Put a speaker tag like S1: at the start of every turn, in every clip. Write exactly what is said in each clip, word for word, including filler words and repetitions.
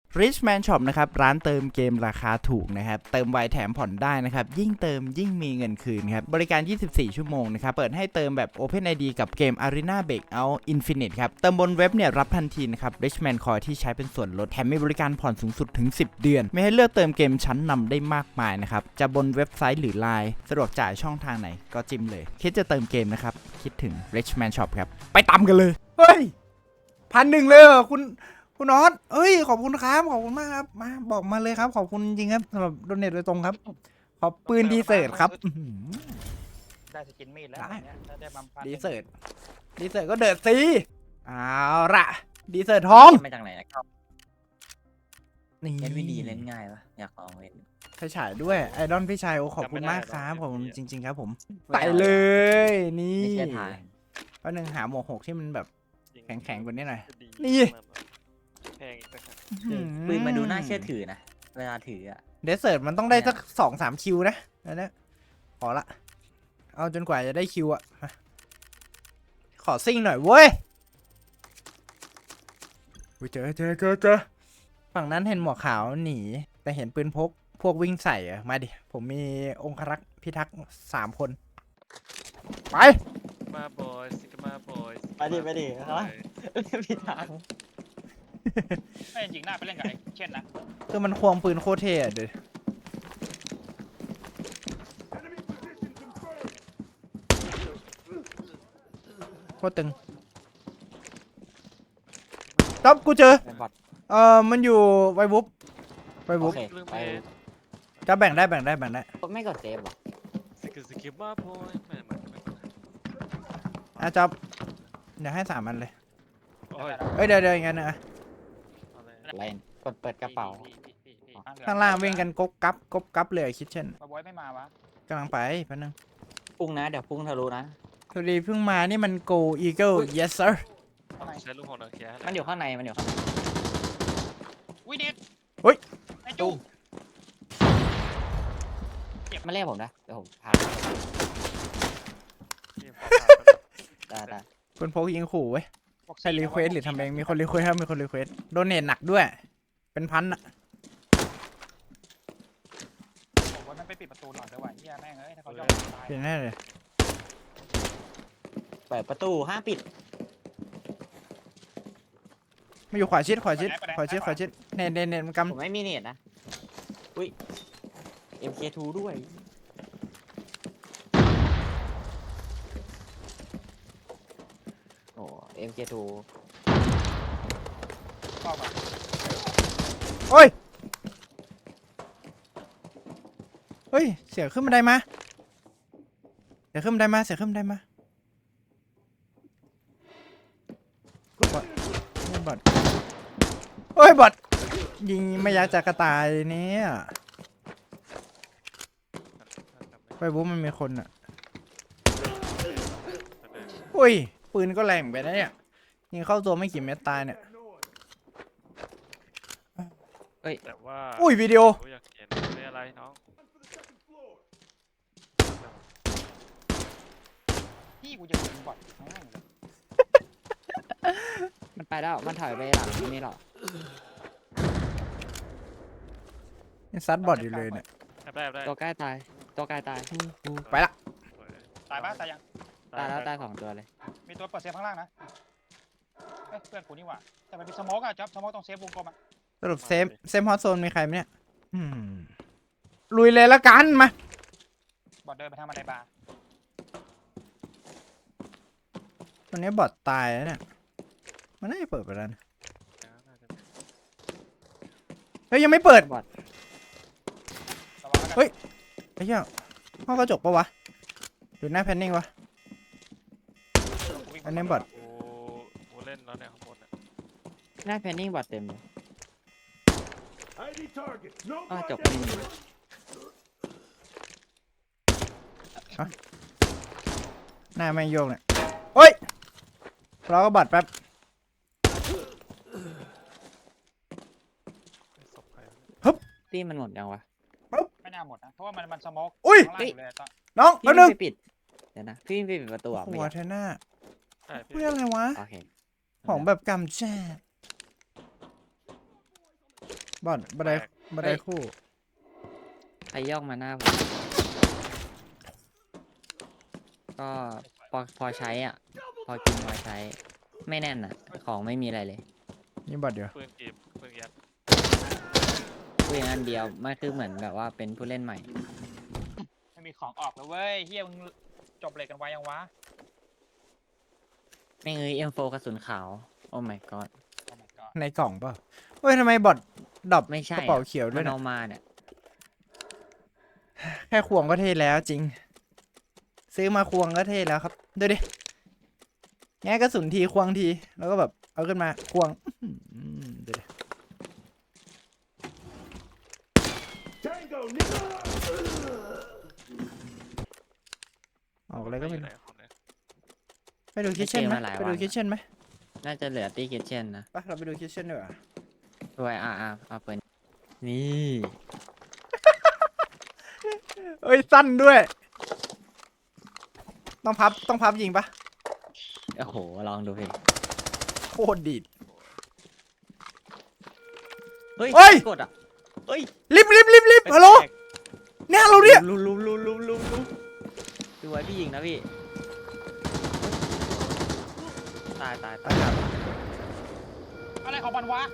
S1: Richman Shop นะครับร้านเติมเกมราคาถูกนะครับเติมไวแถมผ่อนได้นะครับยิ่งเติมยิ่งมีเงินคืนครับบริการ ยี่สิบสี่ ชั่วโมงนะครับเปิดให้เติมแบบ Open ไอ ดี กับเกม Arena Breakout Infinite ครับเติมบนเว็บเนี่ยรับทันทีนะครับ Richman Coin ที่ใช้เป็นส่วนลดแถมมีบริการผ่อนสูงสุดถึงสิบเดือนไม่ให้เลือกเติมเกมชั้นนำได้มากมายนะครับจะบนเว็บไซต์หรือ ไลน์ สะดวกจ่ายช่องทางไหนก็จิ้มเลยคิดจะเติมเกมนะครับคิดถึง Richman Shop ครับไปตามกันเลยเฮ้ยพันหนึ่งเลยเหรอคุณคุณนอตเอ้ยขอบคุณครับขอบคุณมากครับมาบอกมาเลยครับขอบคุณจริงครับสำหรับโดเนทโดยตรงครับขอบปืนดีเซิร์ตครับ
S2: ได้สกินมีดแล้วเนี่ยได้บัมพัน
S1: ดีเซิร์ตดีเซิร์ตก็เดือดสิเอาละดีเซิร์ตทอง
S3: มาจากไหนนะครับ
S1: นี่
S3: เล่นไม่ดีเล่นง่ายปะอยากลองเล่น
S1: ไฟฉายด้วยไอดอนพี่ชายโอขอบคุณมากครับผมจริงๆครับผม
S3: ไม่
S1: ไป
S3: เอา
S1: เลยนี่
S3: ไม่ใช่ทาง
S1: แป๊บนึงหาหมวกหกที่มันแบบแข็งๆกว่านี้หน่อย
S4: ดี
S1: นี่
S4: แพงอีกนะครับ
S3: ปืนมาดูน่าเชื่อถือนะเวลาถืออ่ะ
S1: เดสเซิร์ตมันต้องได้สักสองสามคิวนะอันนี้ขอละเอาจนกว่าจะได้คิวอะมาขอซิ่งหน่อยเว้ยอุ๊ยเจอเจอเจอเจอฝั่งนั้นเห็นหมวกขาวหนีแต่เห็นปืนพกพวกวิ่งใส่อะมาดิผมมีองครักษ์พิทักษ์สามคนไป
S4: มาบอยสิกมาบอย
S3: ไปดิไปดิเนาะผิดทาง
S2: ไม่จริงหน้าไปเล่นกับไอ้เช่นนะ
S1: คือมันควงปืนโคตรเท่อะเดี๋ยวโคตรตึงต๊อบกูเจอ
S3: เป็นบอท
S1: เออมันอยู่ไวบุ๊บไว
S3: โอ
S1: บุ๊บ
S3: เค
S4: ลืม
S3: ไป
S4: ไป
S1: จะแบ่งได้แบ่งได้แบ่งได้
S3: ไม่กดเซฟหรอ
S4: สิกสิกมาบอยไม่ไม่ไม่
S1: อ่ะจ๊อบเดี๋ยวให้สามอันเลย
S4: โอ้ย
S1: เอ้ยเดี๋ยวเดี๋ยวอีกอันหนึงอะ
S4: อะไร
S3: เล่นกดเปิดกระเป๋า
S4: พี่พี่พี่
S1: ข้างล่างวิ่งกันกบกับกบกับเลยคิดเช่น
S2: มาบอยไม่มาวะ
S1: กำลังไปแป๊บนึง
S3: พุ่งนะเดี๋ยวพุ่งทะลุนะ
S1: สวัสดีเพิ่งมานี่มัน go eagle yes sir
S2: ข้างใน
S4: ใช้ลูกของนักแข่
S3: มันอยู่ข้างในมันอยู่ข้างใน
S2: วินิด
S1: เฮ้ย
S2: ไอ้จุ๊บ
S3: มันเรียกผมนะเดี๋ยวผมพาได้ได้
S1: ปืนพกยิงขู่เว้ยใช่รีเควสหรือทำเองมีคนรีเควสครับมีคนรีเควสโดเนทหนักด้วย เป็นพันอะ
S2: ผมว่ามันไปปิดประตูหน่อยด้วยว่ะเฮียแม่งเอ้ยถ้าเขาย่องตาย
S1: เปลี่ยนแน่เลย
S3: เปิดประตูห้ามปิด
S1: มาอยู่ขวาชิดขวาชิดขวาชิดขวาชิดเนตเนตเนตมันก
S3: ผมไม่มีเน็ตนะอุ้ย เอ็ม เค ทู ด้วยโอ้ เอ็ม เค ทู
S2: เข้ามา
S1: ำโอ้ยเฮ้ยเสียขึ้นบันไดมาเสียขึ้นบันไดมาเสียขึ้นบันไดมาบอทนี่บอทโอ้ยบอทยิงไม่ยักจากกระต่ายเนี่ยไปบุ๊มันมีคนอ่ะอุ้ยปืนก็แรงไปนะเนี่ยยิงเข้าตัวไม่กี่เม็ดตายเนี่ย
S4: แต่ว่า
S1: อุ้ยวิดีโอ
S4: อยากเห็นไม่อะไรน้อง
S2: พี่กูจะยิงบอทแม่งเลย
S3: มันไปแล้ว มันถอยไปหลังนี่หรอ
S1: ยังซัดบอทอยู่เลยเนี่ย
S4: แอบได้แอบได้
S3: ตัวใกล้ตาย ตัวใกล้ตาย
S1: ไปละ
S2: ตายปะตายยัง
S3: ตายแล้วตายสองตัวเลย
S2: มีตัวเปิดเซฟข้างล่างนะเอ้ยเพื่อนกูนี่หว่าแต่มันเป็นสโมกอะจ๊อบสโมกต้องเซฟวงกลมอะ
S1: สรุปเซฟเซฟฮอตโซนมีใครไหมเนี่ยอืมลุยเลยละกันมา
S2: บอทเดินไปทางบันไดบาร์
S1: วันนี้บอทตายแล้วเนี่ยมันน่าจะเปิดไปแล้วนะเฮ้ยยังไม่เปิด
S3: บอท
S2: ระวังแล้วกัน
S1: เฮ้ย ไอ้เหี้ยห้องกระจกปะวะหรือหน้าแพนนิ่งวะ
S2: กูวิ่ง
S1: อันนี้บอท
S4: โอ้โหเล่นแล้วเนี่ยข้างบนเนี่ย
S3: หน้าแพนนิ่งบอทเต็มเลยอ้าวจบไม่มี
S1: หน้าไม่โยกเนี่ยเฮ้ยรอก็บอทแป๊บ
S4: ศพใคร
S3: ตี้มันหมดยังวะ
S2: ไม่น่าหมดนะเพราะว่ามันมันสโมก
S1: อุ้ย
S2: ข้างล่างอยู่เลยอะตอน
S1: น้อง
S3: พี่
S1: แป๊บนึง
S3: ไปปิด เดี๋ยวนะ พี่ไปปิดประตูอ่ะไม่
S1: หัว
S3: อยาก
S1: เทน่า
S4: ใช่
S1: เพื่
S4: พี่
S1: ออะไรวะ
S3: โอเค
S1: ของแบบกำแช่บอดบันไดบันไดคู่
S3: ใครย่องมาหน้าผมก็พอพอใช้อ่ะ พอกินพอใช้ ไม่แน่นอ่ะ ของไม่มีอะไรเลย
S1: นี่บอดเดียว
S4: ปืนกีบปืนยัด
S3: พูดอย่างนั้นเดียวมันคือเหมือนแบบว่าเป็นผู้เล่นใหม่
S2: ไม่มีของออกแล้วเว้ยเฮียมึงจบเลยกันไวยังวะ
S3: ไม่เงยเอ็มโฟกระสุนขาว โอ้ my god
S2: โอ้ my god
S1: ในกล่องเปล่าเฮ้ยทำไมบอดดรอป
S3: ไม่ใช่
S1: กระเป๋าเขียวด้
S3: มั
S1: วย
S3: น
S1: นะ
S3: เอามาเนี่ย
S1: แค่ควงก็เท่แล้วจริง ซื้อมาควงก็เท่แล้วครับดูดิแง่กระสุนทีควงทีแล้วก็แบบเอาขึ้นมาควงอื้อหือดูดิออกอะไรก็ไม่
S4: ยู่
S1: รู้
S4: หนของเนี่ย
S1: ไปดูคิทเช่นไหม
S3: ไม่เจอมาหลาย
S1: ไปดู
S3: วัน
S1: คิทเช่นไหม
S3: น่าจะเหลือตีเกตเช่นนะ
S1: ไปเราไปดูคิทเช่นดีกว่า
S3: ด้วยอ่าอ่าเอาเปิดนี่
S1: เอ้ยสั้นด้วย ต้องพับต้องพับยิงปะ
S3: โอ้โห ลองดูพี่
S1: โคตรดีด
S3: เฮ้ย
S1: เฮ้ย
S3: กดอ่ะเฮ้ย
S1: รีบรีบรีบรีบฮัลโหลเนี่ยเราเนี่ย
S3: ลุมลุมลุมลุมลุมลุมดูไว้พี่ยิงนะพี่ ตายตายตาย
S2: อะไรของมันวะ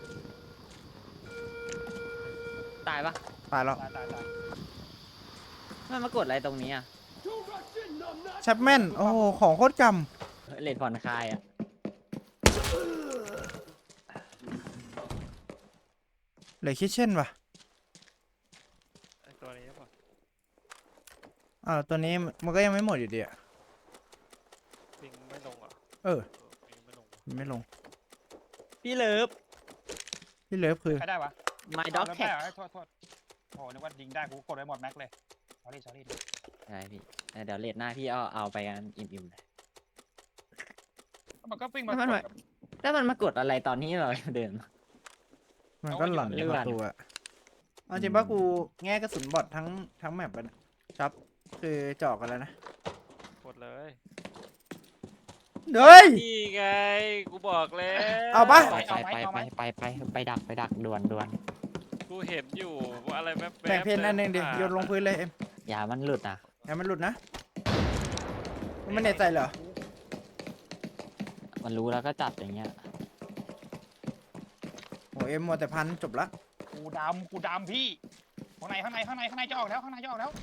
S3: ตายปะ
S1: ตายแล้ว
S2: ตายตายตาย
S3: มันมากดอะไรตรงนี้อ่ะ
S1: แชปแมนโอ้โหของโคตรก
S3: เลดผ่อนคลายอ่ะ
S1: ำเหลือคิทเช่นปะ
S4: ไอ้ตัวนี้ป่ะ
S1: อ่าวตัวนี้มันก็ยังไม่หมดอยู่ดีอะ
S4: ปิงไม่ลงเหรอ่ะ
S1: เออ
S4: ปิงไม่ลงว่ะ
S1: มันไม่ลง
S3: พี่เลิฟ
S1: ที่เหลือคือ
S2: ใครได้วะ
S3: my dog
S2: เอา
S3: tag
S2: แล้วได้เหรอโทษโทษโอ้โหนึกว่ายิงได้กูกดไว้หมดแม็กเลย sorry sorry
S3: ใช่พี่เออเดี๋ยวเลดหน้าพี่เอาเอาไปกันอิ่มๆเลย
S2: มันก็ปิ้งมา
S3: ไม่ไม่
S2: กดกับ
S3: แล้วมันมากดอะไรตอนนี้เราเดิน
S1: มันก็หลั่น
S3: เอาไว้อยู่
S1: ประตัวเอาจริงป่ะกูแง่กระสุนบอดทั้งทั้งแมปไปนะครับคือเจาะกันแล้วนะ
S4: กดเลย
S1: เฮ้ย
S4: นี่ไงกูบอกแล้ว
S1: เอาปะ
S3: ไปไปไปไปไปไปไปดักไปดักด่วนด่วน
S4: กูเห็นอยู่ว่าอะไรแว๊บๆ
S1: แบ่งเพนอันหนึ่งดิ
S4: ผ่า
S1: โยนลงพื้นเลยเอ็ม
S3: อย่ามันหลุดนะ
S1: อย่ามันหลุดนะมันไม่แน่ใจเหรอ
S3: มันรู้แล้วก็จัดอย่างเงี้ย
S1: โอ้เอ็มมัวแต่พันจบละ
S2: กูดำกูดำพี่ข้างในข้างในข้างในข้างในจะออกแล้วข้างในจะออกแล้ว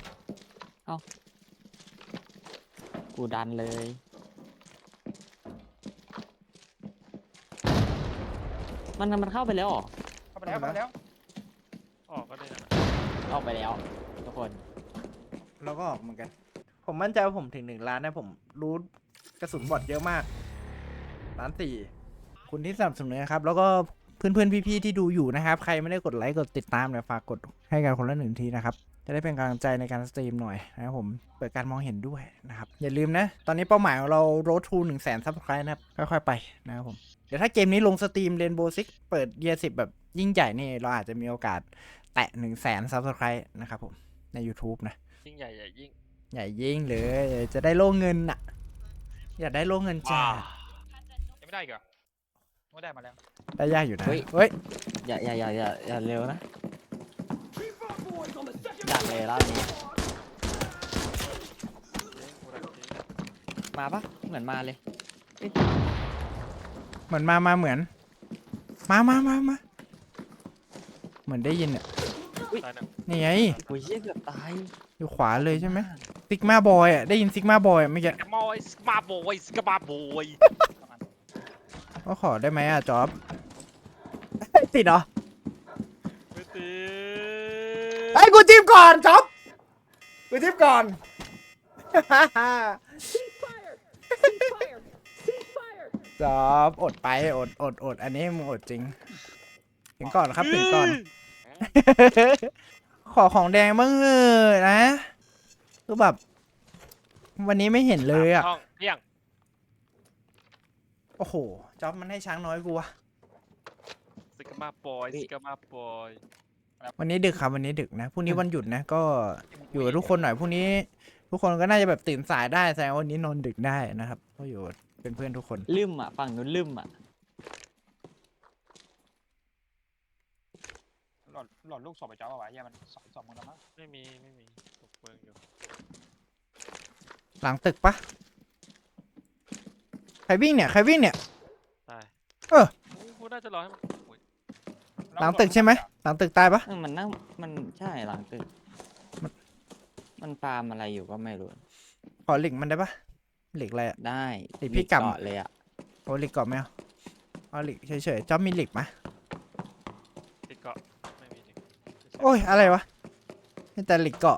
S3: กูดันเลย มันมันเข้าไปแล้วเหรอ
S2: เข้าไปแล้วเข้าไปแล้ว
S4: ออกก็ได้นะ
S3: ออกไปแล้วทุกคน
S1: เราก็ออกเหมือนกัน ผมมั่นใจว่าผมถึงหนึ่งล้านนะผมรู้กระสุนบอดเยอะมากล้านสี่คุณที่สนับสนุนนะครับ แล้วก็เพื่อนๆพี่ๆที่ดูอยู่นะครับ ใครไม่ได้กดไลค์กดติดตามเนี่ยฝากกดให้กันคนละหนึ่งทีนะครับ จะได้เป็นกำลังใจในการสตรีมหน่อยนะครับผมเปิดการมองเห็นด้วยนะครับ อย่าลืมนะ ตอนนี้เป้าหมายของเรา road to หนึ่งแสนซับสไครต์นะครับค่อยๆไปนะครับผมเดี๋ยวถ้าเกมนี้ลงสตรีมเรนโบว์ซิกเปิดเยียร์สิบแบบยิ่งใหญ่นี่เราอาจจะมีโอกาสแตะหนึ่งแสนซับสไครต์นะครับผมใน YouTube นะ
S4: ยิ่งใหญ่ใหญ่ยิ่ง
S1: ใหญ่ยิ่งเลยจะได้โล่เงินอ่ะ อยากได้โล่เงินจ้า
S2: ยังไม่ได้อีกเหรอไม่ได้มาแล้ว
S1: ได้ยากอยู่นะ
S3: เฮ้ย
S1: เฮ้ย
S3: อย่าอย่าอย่าอย่าอย่าเร็วนะดักเลยรอบนี้
S4: เล่นกูรักจริง
S3: มาปะเหมือนมาเลย
S1: เหมือนมามาเหมือน มามามามาเหมือนได้ยินอ่ะ
S4: ตายนะ
S1: นี่ไง
S3: โอ้ยเหี้ยเกือบตาย
S1: อยู่ขวาเลยใช่ไหมซิกมาบอยอ่ะได้ยินซิกมาบอยอ่ะเมื่อกี้
S4: สกมอยสกมาโบยสกมาโบย
S1: ก็ขอได้ไหมอ่ะจ๊อบ ติดเหรอ
S4: ไม่ตี
S1: ไอ้ยกูจิ้มก่อนจ๊อบกูจิ้มก่อน จ๊อบอดไปอดอดอดอันนี้มึงอดจริง ถึงก่อนครับถึงก่อน ขอของแดงบ้างเออนะคือแบบ วันนี้ไม่เห็นเลยอ่ะ
S4: ช่องเที่ยง
S1: โอ้โหจ๊อบมันให้ช้างน้อยกูวะ
S4: สกมาบอยสกมาบอย
S1: วันนี้ดึกครับวันนี้ดึกนะพรุ่งนี้วันหยุดนะ ก็อยู่กับทุกคนหน่อยพรุ่งนี้ ทุกคนก็น่าจะแบบตื่นสายได้แสดงว่าวันนี้นอนดึกได้นะครับก็อยู่เป็นเพื่อนทุกคน
S3: ลืมอ่ะฝั่งนู้นลืมอ่ะ
S2: หลอดหลอดลูกศพไปจ้าเอาไว้เหี้ยมันสองศพมึงแล้วมั้ง
S4: ไม่มีไม่มีตกเมืองอยู่
S1: หลังตึกปะใครวิ่งเนี่ยใครวิ่งเนี่ย
S4: ตาย
S1: เออ
S4: กูน่าจะรอให้มันโอ้ย
S1: หลังตึกใช่ไหมหลังตึกตายปะ
S3: เออมันนั่งมันใช่หลังตึกมันฟาร์มอะไรอยู่ก็ไม่รู้
S1: ขอเหล็กมันได้ปะเหล็กอะไรอะ
S3: ได้
S1: ไอ้พี่กำ
S3: เกาะเลยอ่ะ
S1: โอ้เหล็กเกาะไม่เอาเอาเหล็กเฉยๆจ๊อบมีเหล็กไหม
S4: ติดเกาะไม่มีจริง
S1: โอ้ยอะไรวะมีแต่เหล็กเกาะ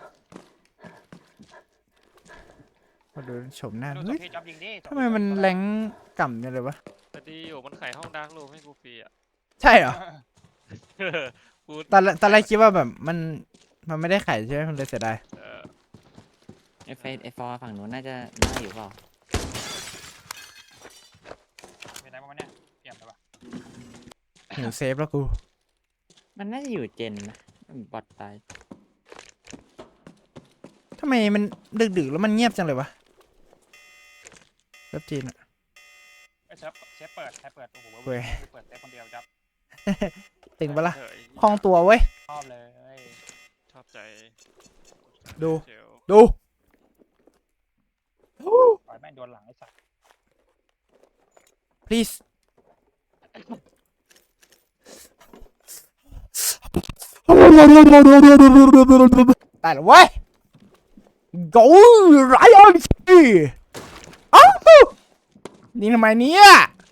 S1: มาดูชมหน้า
S2: ดูศ
S1: เฮ้
S2: พ
S1: ย
S2: ที่จ๊อบยิงดิ
S1: ทำไมมันแรงก่ำจังเลยวะ
S4: แต่ดีอยู่มันขายห้องดาร์กรูมให้กูฟรีอ่ะ
S1: ใช่เหรอ
S4: กู
S1: ตอนแรกตอนแรกคิดว่าแบบมันมันไม่ได้ขายใช่ไหมมันเลยเสียดาย
S4: เออ
S3: ไอเฟสไอฟอร์ฝั่งนู้นน่าจะน่าอยู่เปล่า
S2: เป็นไรบ้างวะเนี่ยเปลี่ยนไปปะ
S1: หิวเซฟแล้วกู
S3: มันน่าจะอยู่เจนนะบอดตาย
S1: ทำไมมันดึกๆแล้วมันเงียบจังเลยวะเว็บจีนอะ
S2: ไอ้เซฟเซฟเปิดใครเปิดโอ้โห
S1: เว้ย
S2: เปิดเซฟคนเดียวจ๊อบ
S1: ตึงปะล่ะ
S4: เฉย
S1: คล่องตัวเว้ย
S2: ชอบเลย
S4: ชอบใจ
S1: ดู
S4: เจียว
S1: ดู
S2: ปล่อยแม่งโดนหลังไอ้สัตว์
S1: please ตายแล้วเว้ย go right on เอ้านี่ทำไมเนี่ย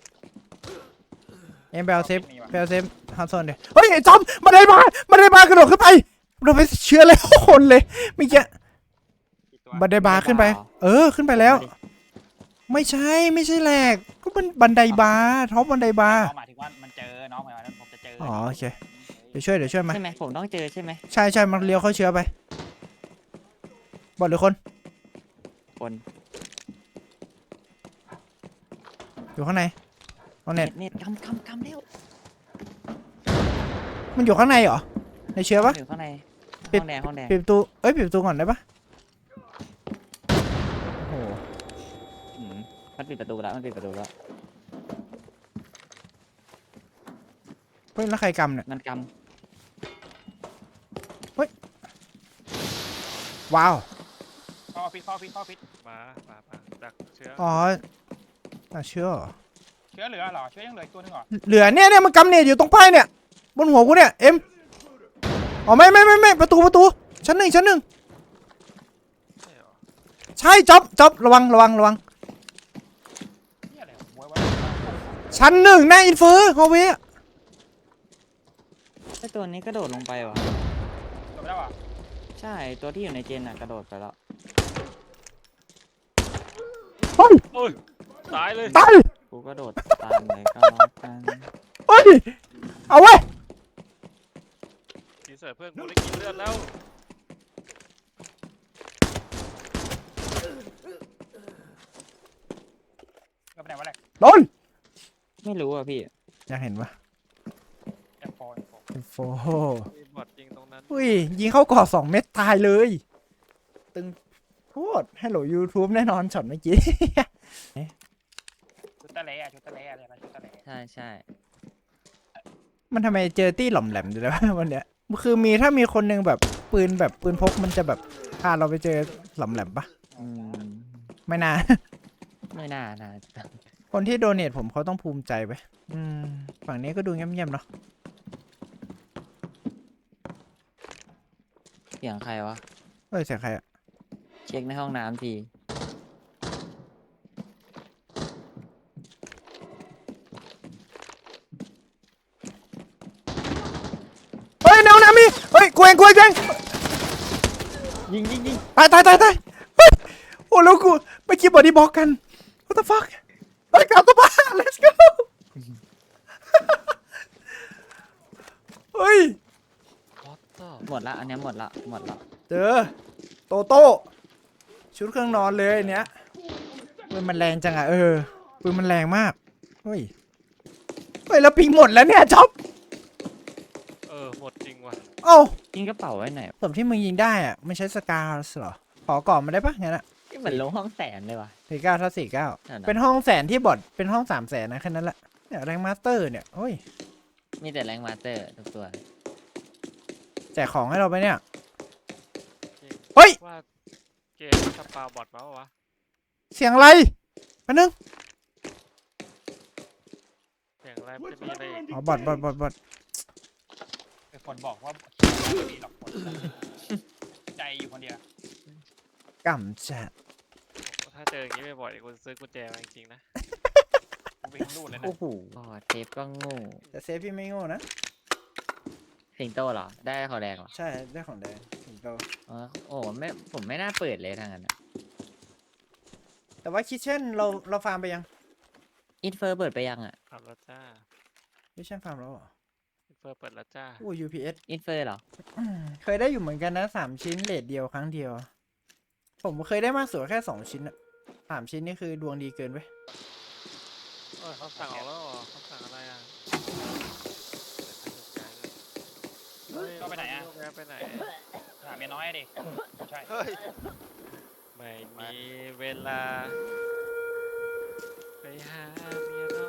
S1: เอ็มไปเอาเซฟไปเอาเซฟฮันซอนเดี๋ยวเฮ้ยไอ้จอมมาได้มามาได้มากระโดดขึ้นไปเราไปเชื้อเลยคนเลยเมื่อกี้
S2: กี่ตัว
S1: บันไดบาร์ขึ้นไป เออขึ้นไปแล้ว ไม่ใช่ไม่ใช่แหลกก็มันบันไดบาร์ท็อปบันไดบาร์
S2: น้องหมายถึงว่ามันเจอน้องหมายถึงว่าผมจะเจอ
S1: อ๋
S2: อ๋
S1: อโอเค เดี๋ยวช่วยเดี๋ยวช่วยมา
S3: ใช่ไหมผมต้องเจอใช่ไหม
S1: ใช่ใช่มันเลี้ยวเข้าเชื้อไปบอดหรือคน
S3: คน
S1: อยู่ข้างในเอาเน็ต
S3: เน็ตกำกำกำเร็ว
S1: มันอยู่ข้างในเหรอในเชื้อปะ
S3: อยู่ข้างใน
S1: ปิด
S3: ห้องแดงห้องแดง
S1: ปิดประตูเอ้ยปิดประตูก่อนได้ปะโอ้โห
S3: อืมมันปิดประตูแล้วมันปิดประตูแล้ว
S1: เฮ้ยแล้วใครกำเนี่ย
S3: มันก
S1: ว้าว
S2: เข้าฟิตเข้าฟิตเข้าฟิต
S4: มามามาดักเชื้อ
S1: อ๋อน่าเชื่อเหรอ
S2: เชื้อเหลือเหรอเชื้อยังเหลืออีกตัวหนึงเหรอ
S1: เหลือเนี่ยเนี่ยมันกำเน็ตอยู่ตรงป้ายเนี่ยบนหัวกูเนี่ยเอ็มอ๋อไม่ไม่ไม่ไม่ประตูประตูชั้นหนึ่งชั้นหนึ่ง
S4: ใช่เหรอ
S1: ใช่จ๊อบจ๊อบระวังระวังระวัง
S2: นี่อะไรของมวยวะ
S1: ชั้นหนึ่งหน้าอินเฟอร์ฮอลเวย์
S3: ำไอตัวนี้กระโดดลงไปว่ะ
S2: จบแล้วอ่ะ
S3: ใช่ตัวที่อยู่ในเจนอ่ะกระโดดไปแล้ว
S1: เฮ้ย
S4: โอ้ยตายเลย
S1: ตาย
S3: กูกระโดดตามเลยก็แล้วกัน
S1: เฮ้ยเอาเว้ย
S4: ทีเสิร์ฟเพื่อนกูได้กินเลือดแล้ว
S2: ก็ไปไหนวะแหละ
S1: โดน
S3: ไม่รู้อ่ะพี่
S1: อยากเห็นปะ
S2: เอฟโฟเอฟโฟ
S1: อินโฟ
S4: มีบอทยิงตรงนั้น
S1: อุ้ยยิงเข้ากรอบสองเม็ดตายเลยตึงโทษฮัลโหลยูทูบแน่นอนช็อตเมื่อกี้
S2: ชุดตะเละอะชุดตะเละอะไรนะชุดตะเละ
S3: ใช่ใช่
S1: มันทำไมเจอตี้หล่อมแหลมอยู่แล้ววันเนี้ยคือมีถ้ามีคนหนึงแบบปืนแบบปืนพกมันจะแบบพาเราไปเจอหล่อมแหลมปะ
S3: อืม
S1: ไม่น่า
S3: ไม่น่านะ
S1: คนที่โดเนทผมเขาต้องภูมิใจไปอืมฝั่งนี้ก็ดูเงียบๆเนาะ
S3: เสียงใครวะ
S1: เอ้ยเสียงใครอะ
S3: เช็คในห้องน้ำที
S1: เฮ้ยแนวน้ำมีเฮ้ยกูเองกูเองกูเอง
S3: ยิงยิงยิง
S1: ตายตายตายตายเฮ้ยโอ้แล้วกูเมื่อกี้บอดี้บล็อกกัน what the fuck เฮ้ยกลับตัวบ้าน let's go เฮ้ย
S4: What the
S3: หมดละอันเนี้ยหมดละหมดละ
S1: เจอโตโต้ชุดเครื่องนอนเลยอันเนี้ยปืนมันแรงจังอะเออปืนมันแรงมากเฮ้ยเฮ้ยแล้วปิงหมดแล้วเนี่ยจ๊อบ
S4: เออหมดจริงว่ะ
S1: เอ้า
S3: ยิงกระเป๋าไว้ไหน
S1: ศพที่มึงยิงได้อะไม่ใช้สกาเหรอขอก่อนมาได้ปะงั้นอะ
S3: นี่เหมือนลงห้องแสนเลยว่ะ
S1: สี่เก้าถ้าสี่เก้า
S3: นั่นน่ะ
S1: เป็นห้องแสนที่บอดเป็นห้องสามแสนนะแค่นั้นแหละเนี่ยแรงมาสเตอร์เนี่ยโอ้ย
S3: มีแต่แรงมาสเตอร์ทุกตัว
S1: แจกของให้เราไปเนี่ย
S4: จริง
S1: เฮ้ย
S4: ว่าเกมสปาบอทมาวะ
S1: เสียงอะไรแป๊บนึง
S4: อย่างไรมันจะมีอะไรอีก
S1: อ๋อบอดบอดบอดบอด
S2: ไอ้คนบอกว่าไม่มีหรอกคนใจอยู่คนเดียว
S1: กำจัด
S4: ถ้าเจออย่างนี้บ่อยๆกูซื้อกุญแจมาจริงๆนะ
S2: กูไปรูดเลยนะ
S3: โอ้โหบอดเซฟก็โง่
S1: แต่เซฟพี่ไม่โง่นะ
S3: สิงโตเหรอ ได้ของแดงเหรอ
S1: ใช่ได้ของแดงถึงโต
S3: อ๋อโอ้ไม่ผมไม่น่าเปิดเลยทางนั้นอะ
S1: แต่ว่าคิทเช่นเราเราฟาร์มไปยัง
S3: อินเฟอร์เปิดไปยังอ่ะ
S4: ทำแล้วจ้า
S1: คิทเช่นฟาร์มแล้วเหรอ
S4: เฟิร์เปิดแล้วจ้า
S1: อู้ ยู พี เอส
S3: อินเฟอร์เหรอ
S1: อืมเคยได้อยู่เหมือนกันนะสามชิ้นเลทเดียวครั้งเดียว ผมเคยได้มากสุดแค่สองชิ้นอะสามชิ้นนี่คือดวงดีเกินไป
S4: เออเขาสั่งออกแล้วเหรอเขาสั่งอะไรอ่ะเฮ้ย
S2: ก็ไปไหนอ่ะ
S4: แวะไปไหน
S2: หาเมียน้อยดิใช่
S4: เฮ้ยไม่มีเวลาไปหาเมียน้อย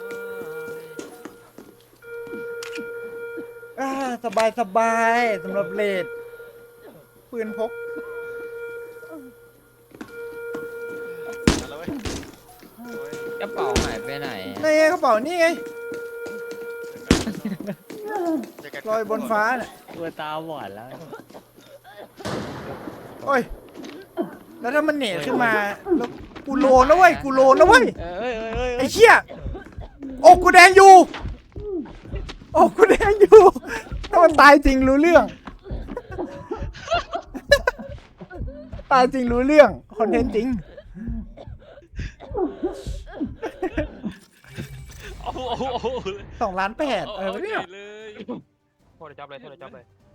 S1: อ่าสบายสบายสำหรับเลดปืนพก
S4: มาแล้วเว้ยโอ้ย
S3: กระเป๋าหายไปไหนอะ
S1: นี่ไงกระเป๋านี่ไง
S4: เจอกัน
S1: ลอยบนฟ้าน่ะ
S3: ตัวตาบอดแล้ว
S1: โอ้ย แล้วถ้ามันเหน็ตขึ้นมาแล้วกูโลนะเว้ยกูโลนะเว้ย
S3: เอ้ยเอ้ยเอ้ย
S1: ไอ้เชี่ยอกกูแดงอยู่อกกูแดงอยู่ถ้ามันตายจริงรู้เรื่อง ตายจริงรู้เรื่องคอนเทนต์จริง
S4: โอ้โหโอ้โห
S1: สองล้านแปด
S4: เอา
S1: อะไร
S4: เอา
S1: วะเนี่ย
S4: ใหญ่เลย
S2: โทษเลยจับเลยโทษเลยจับเลย